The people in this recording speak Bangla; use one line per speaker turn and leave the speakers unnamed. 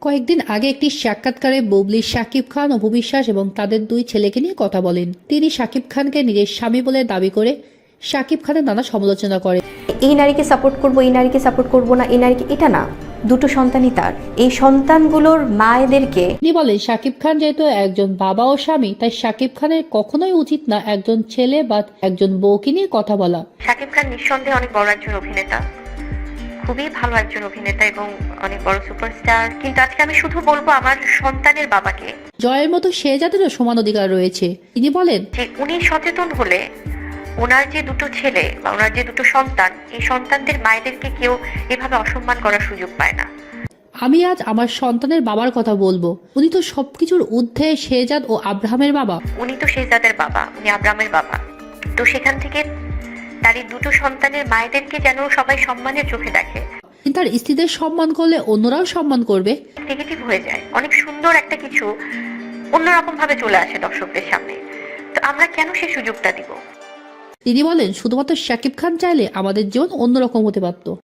কয়েকদিন আগে একটি সাক্ষাৎকারে বুবলি শাকিব খান, অপু বিশ্বাস এবং তাদের দুই ছেলেকে নিয়ে কথা বলেন। তিনি শাকিব খানকে নিজের স্বামী বলে দাবি করে শাকিব খানের নানা সমালোচনা করেন।
এই নারীকে সাপোর্ট করব, এই নারীকে সাপোর্ট করব না, এই নারীকে, এটা না, দুটো সন্তানই তার। এই সন্তানগুলোর মায়েদেরকে
তিনি বলেন, শাকিব খান যেহেতু একজন বাবা ও স্বামী, তাই শাকিব খানের কখনোই উচিত না একজন ছেলে বা একজন বউকে নিয়ে কথা বলা।
শাকিব খান নিঃসন্দেহে অনেক বড় একজন অভিনেতা, খুবই ভালো একজন অভিনেতা এবং অনেক বড় সুপারস্টার। কিন্তু আজকে আমি শুধু বলবো আমার সন্তানের বাবাকে,
জয়ের মতো শেহজাদেরও সমান অধিকার রয়েছে। তিনি বলেন
যে উনি সচেতন হলে ওনার যে দুটো ছেলে বা ওনার যে দুটো সন্তান, এই সন্তানদের মায়েদেরকে কেউ এভাবে অসম্মান করার সুযোগ পায় না।
আমি আজ আমার সন্তানের বাবার কথা বলবো। উনি তো সবকিছুর ঊর্ধ্বে শেহজাদ ও আব্রাহামের বাবা।
উনি তো শেহজাদের বাবা, উনি আব্রামের বাবা। তো সেখান থেকে তার এই দুটো সন্তানের মায়েদেরকে যেন সবাই সম্মানের চোখে দেখে।
তার স্ত্রীদের সম্মান করলে অন্যরাও সম্মান করবে।
নেগেটিভ হয়ে যায়, অনেক সুন্দর একটা কিছু অন্যরকম ভাবে চলে আসে দর্শকদের সামনে। তো আমরা কেন সেই সুযোগটা দিব?
তিনি বলেন, শুধুমাত্র শাকিব খান চাইলে আমাদের জীবন অন্যরকম হতে পারত।